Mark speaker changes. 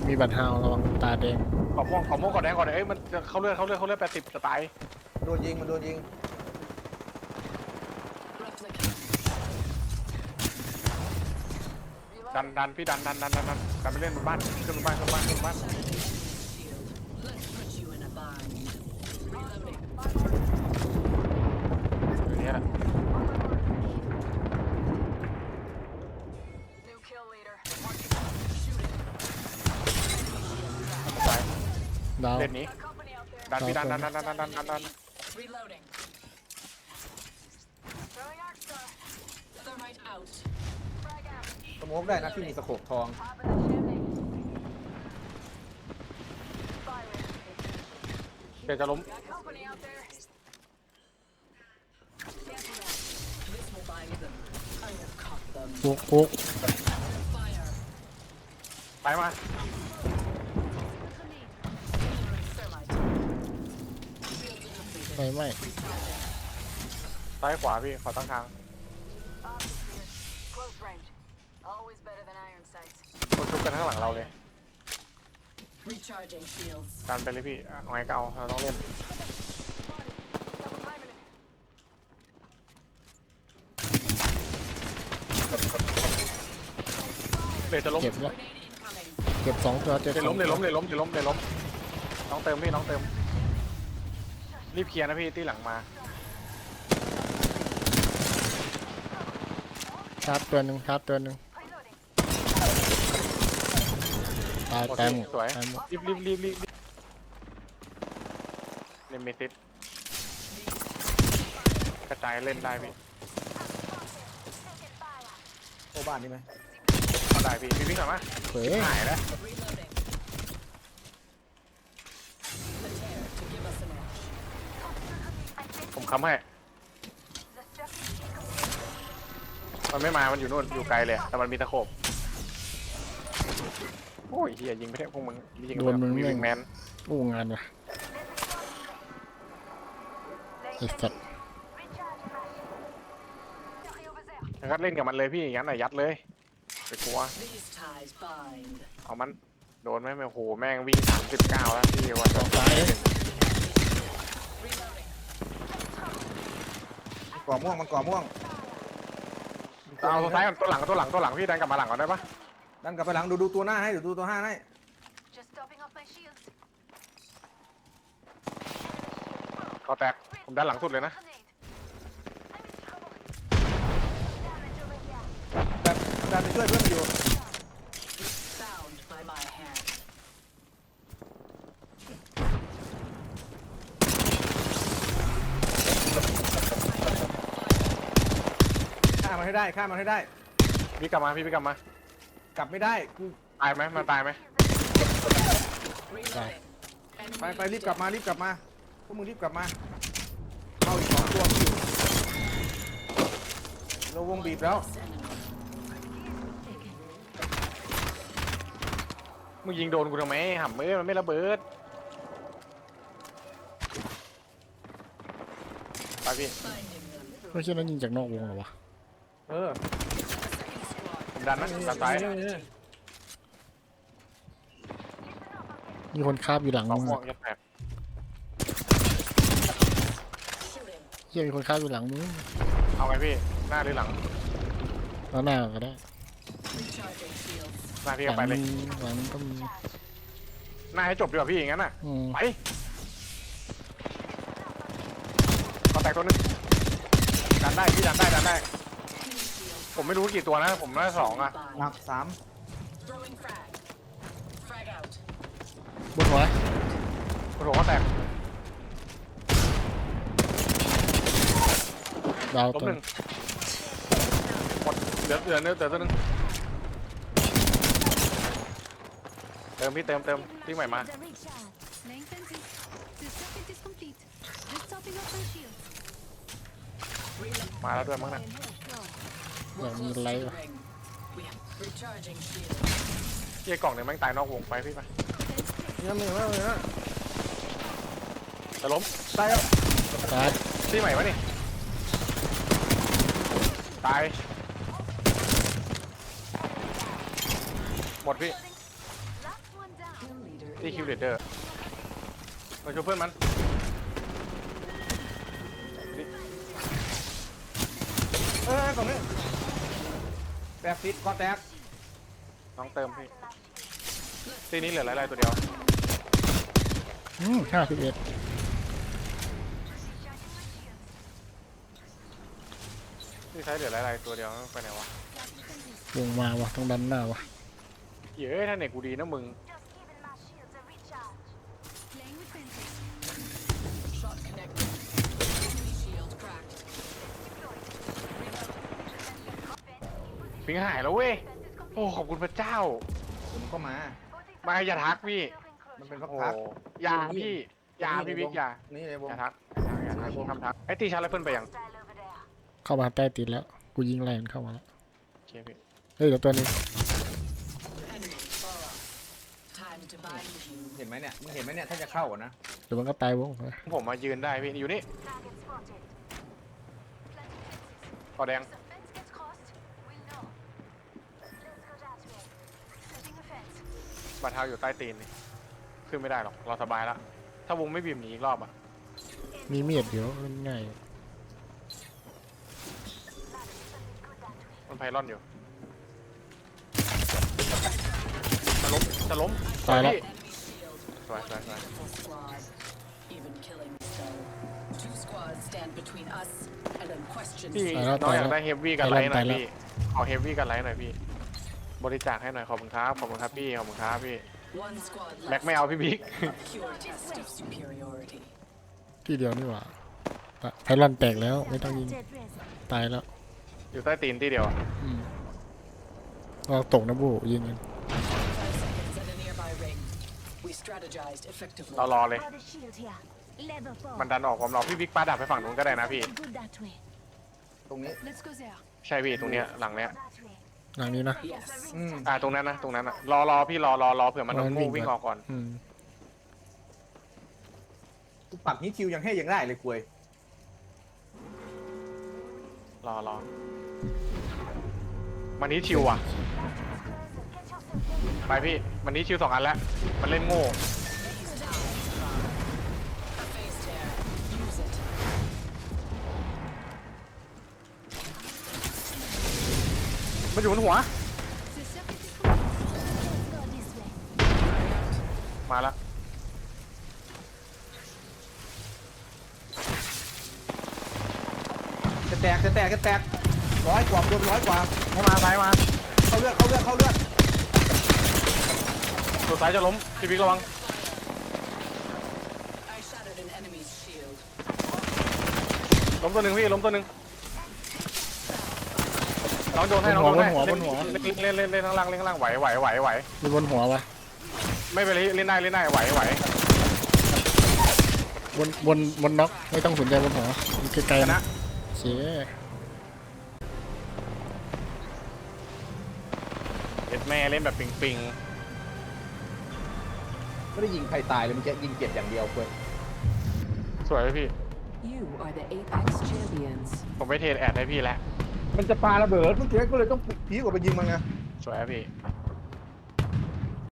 Speaker 1: มีบัตรฮาวระวังตาแดง
Speaker 2: ขอม่วงก่อนแดงก่อนเอ้ยมันจะเข้าเลือด80จะตาย
Speaker 3: โดนยิงมันโดนยิง
Speaker 2: ดันพี่ดันไปเล่นบนบ้านขึ้นบ้านอย่างเงี้ยตาย
Speaker 1: ดาว
Speaker 2: เล่นนี้ดันพี่ดัน
Speaker 3: สโมกได้นะที่มีสโคปทอง
Speaker 2: เดี๋ยวจะล้ม
Speaker 1: ฟุก
Speaker 2: ไปมา
Speaker 1: ไม่
Speaker 2: ซ้ายขวาพี่ขอตั้งทางคนชุบกันข้างหลังเราเลยดันไปเลยพี่เอาไงก็เอาเราต้องเล่นเดี๋ยวจะล้ม
Speaker 1: เก็บแล้วเก็บ2 ตัวเจ็บ
Speaker 2: เดี๋ยว
Speaker 1: 2
Speaker 2: ล้มน้องเติมพี่น้องเติมรีบเคลียร์นะพี่ที่หลังมา
Speaker 1: ชาร์จตัวหนึ่งตายแต้ม
Speaker 2: สวย
Speaker 1: ตายหมด
Speaker 2: รีบเล่นเมติสกระจายเล่นได้พี่
Speaker 3: โอ้บ้านนี่ไหม
Speaker 2: เอาได้พี่วิ่งกลับมา
Speaker 1: เฮ้ย
Speaker 2: หายแล้วผมค้ำให้มันไม่มามันอยู่นู่นอยู่ไกลเลยแต่มันมีตะโขบโอ้ยเฮียยิงไม่ได้พวกมึงยิง
Speaker 1: โดนมึง
Speaker 2: มี
Speaker 1: แม่
Speaker 2: วิ
Speaker 1: ง
Speaker 2: งแมน
Speaker 1: อู้งานว่ะไอ้สัตว์
Speaker 2: งั้นเล่นกับมันเลยพี่งั้นน่ะยัดเลยไปกลัวเอามันโดนไหมโอ้โหแม่งวิ่ง39แล้วพี่วัน
Speaker 1: ออกซ้าย
Speaker 3: ก่อม่วงมันก่อม่วง
Speaker 2: เอาตัวซ้ายก่อนตัวหลังพี่ดันกลับมาหลังก่อนได้ปะ
Speaker 3: ดันกลับไปหลังดูตัวหน้าให้ดูตัวห้าให้
Speaker 2: ก็แตกผมดันหลังสุดเลยนะ
Speaker 3: ดันไปช่วยเพื่อนอยู่ฆ่ามันให้ได้
Speaker 2: พี่กลับมาพี่กลับมาก
Speaker 3: ลับไม่ได้กู
Speaker 2: ตายไหมมันตายไหม
Speaker 1: ตาย
Speaker 3: ไปรีบกลับมาพวกมึงรีบกลับมาเอาอีก2 ตัวอยู่เราวงบีบแล้ว
Speaker 2: มึงยิงโดนกูทำไมห่ำมือมันไม่ระเบิดไปพี่
Speaker 1: ไม่ใช่นั้นยิงจากนอกวงเหรอวะ
Speaker 3: เออ
Speaker 2: ผมดันนะดันซ้าย
Speaker 1: มีคนคาบอยู่หลัง
Speaker 2: สอง
Speaker 1: มึง
Speaker 2: ม่วงยัดแผล
Speaker 1: เฮียมีคนคาบอยู่หลังมึง
Speaker 2: เอาไงพี่หน้าหรือหลัง
Speaker 1: แล้วหน้าก็ได้
Speaker 2: หน้าพี่
Speaker 1: ห
Speaker 2: ก็
Speaker 1: ลัง
Speaker 2: ไปเลย
Speaker 1: มีหลังก็มี
Speaker 2: หน้าให้จบดีกว่าพี่อย่างนั้นน่ะ
Speaker 1: อืม
Speaker 2: ไปก็แตกตัวนึงดันได้พี่ดันได้ผมไม่รู้กี่ตัวนะผมน่า2อ่ะ
Speaker 3: หนัก3
Speaker 1: บนหัว
Speaker 2: โอ้โหก็แตก
Speaker 1: ดาว
Speaker 2: ล้ม
Speaker 1: ตัว
Speaker 2: 1หมดเหลือตัวนึงเติมพี่เติมที่ใหม่มามาแล้วด้วยมั้งน่ะ
Speaker 1: อยากมีไลท์วะ
Speaker 2: เฮียกล่องเนี่ยแม่งตายนอกวงไปพี่ไป
Speaker 3: เนี่ยมึงว่าเลยนะ
Speaker 2: จะล้ม
Speaker 3: ตายแล้ว
Speaker 1: ตาย
Speaker 2: ที่ใหม่วะนี่ตายหมดพี่ที่คิวเลเดอร์มาช่วยเพื่อนมันนี่
Speaker 3: ตรงนี้แตกฟิตก็แตก
Speaker 2: น้องเติมพี่ที่นี้เหลือหลายๆตัวเดียว
Speaker 1: 51
Speaker 2: ที่ใช้เหลือหลายๆตัวเดียวไปไหนวะ
Speaker 1: วงมาวะต้องดันหน้าวะ
Speaker 2: เย้ยถ้าเน็ตกูดีนะมึง
Speaker 4: Shot connected. Enemy shield cracked.
Speaker 2: ปิงหายแล้วเว้ยโอ้ขอบคุณพระเจ้า
Speaker 3: ผมก็มา
Speaker 2: มาอย่าทักพี่
Speaker 3: มันเป็นพัก
Speaker 2: โอ้
Speaker 3: พัก
Speaker 2: อย่าพี่อย่าพี่บิ๊กอย่า
Speaker 3: นี่ในวง
Speaker 2: อย่าทักอย่าทักทำทักไอ้ตีชาร์จไรเฟิลไปยัง
Speaker 1: เข้ามาใต้ตีนแล้วกูยิงแรงเข้ามาแล้ว
Speaker 2: โอเคพี่
Speaker 1: เฮ้ยเดี๋ยวตัวนี้
Speaker 4: Enemy far. Time to bind you.
Speaker 3: เห็นไหมเนี่ยมึงเห็นไหมเนี่ยถ้าจะเข้าอะนะ
Speaker 1: เดี๋ยวมันก็ตายวงไป
Speaker 2: ผมมายืนได้พี่อยู่นี่กอแดงบาดเท้าอยู่ใต้ตีนนี่ขึ้นไม่ได้หรอกเราสบายแล้วถ้าวงไม่บีบหนีอีกรอบอ่ะ
Speaker 1: มีเมียดเดี๋ยวมันง่าย
Speaker 2: มันไพลอนอยู่จะล้ม
Speaker 1: ตายแล้ว
Speaker 2: พี่
Speaker 4: Enemy shield.
Speaker 2: สวยสวยสวย
Speaker 4: Full squad. Even killing so. Two squads stand between us and unquestioned.
Speaker 2: พี่
Speaker 1: ตายแล้ว
Speaker 2: น้องอยา
Speaker 1: ตายแล้ว
Speaker 2: กได้เฮฟวี่กันไลท์หน่อย
Speaker 1: ตายแล้ว
Speaker 2: พี่ขอเฮฟวี่กันไลท์หน่อยพี่บริจาคให้หน่อยขอบคุณครับขอบคุณครับพี่ขอบคุณครับพี่
Speaker 4: One squad
Speaker 2: แม็ก
Speaker 4: left.
Speaker 2: ไม่เอาพี่บิ๊ก
Speaker 4: A pure test of superiority.
Speaker 1: ที่เดียวนี่หว่าไพลอนแตกแล้วไม่ต้องยิงตายแล้ว
Speaker 2: อยู่ใต้ตีนที่เดียวอะ
Speaker 1: เราตกนะบูยิงกัน
Speaker 4: 5 seconds at a nearby ring. We strategized effectively.
Speaker 2: เรารอเลย
Speaker 5: Got a shield here. Level 4.
Speaker 2: มันดันออกผมรอพี่บิ๊กปาดับไปฝั่งนู้นก็ได้นะพี่
Speaker 5: Good that way.
Speaker 3: ตรงนี้
Speaker 4: Let's go there.
Speaker 2: ใช่พี่ตรงเนี้ยหลังเนี้ย
Speaker 5: That way.
Speaker 1: หลังนี้นะ
Speaker 4: Yes.
Speaker 2: ตรงนั้นนะตรงนั้นนะรอพี่รอเผื่อมัน
Speaker 1: รอมัน
Speaker 2: โง่
Speaker 1: วิ่
Speaker 2: วิ่
Speaker 1: ง
Speaker 2: ง
Speaker 1: ก่
Speaker 2: อ
Speaker 1: อน
Speaker 2: อกก่อน
Speaker 3: กูปักนี้คิวยังให้ยังได้เลยคุย
Speaker 2: รอมันนี้ชิวอ่ะ ไปพี่มันนี้ชิว2 อันแล้วมันเล่นโง่
Speaker 4: Face tear. Use it.
Speaker 2: มันอยู่บนหัว
Speaker 5: Let's go this way.
Speaker 2: มาแล้ว
Speaker 3: จะแตกจะแตกจะแตก100 กว่าโดน100 กว่า
Speaker 2: ให้มาซ้ายมา
Speaker 3: เข้าเลือดเข้าเลือดเข้าเลือด
Speaker 2: ตัวซ้ายจะล้มพี่บิ๊กระวัง
Speaker 4: I shattered an enemy's shield.
Speaker 2: ล้มตัวหนึ่งพี่ล้มตัวหนึ่งน้องโดนให้น้องโดนให้เล่นข้างล่างเล่นข้างล่างไหว
Speaker 1: มีบนหัวปะ
Speaker 2: ไม่เป็นไรเล่นได้ไหว
Speaker 1: บนน็อกไม่ต้องสนใจบนหัวมันไกล
Speaker 2: ช
Speaker 1: ๆ
Speaker 2: นะ
Speaker 1: นะเสีย
Speaker 2: เอ็ดแม่เล่นแบบปิง
Speaker 3: ไม่ได้ยิงใครตายเลยมันจะยิงเจ็บอย่างเดียวคุย
Speaker 2: ๆสวยไหมพี่
Speaker 6: You are the Apex champions.
Speaker 2: ผมไปเทรดแอดให้พี่แล้ว
Speaker 3: มันจะปาระเบิดเมื่อกี้ก็เลยต้องพีกว่าไปยิงมันไง
Speaker 2: สวยไหมพี่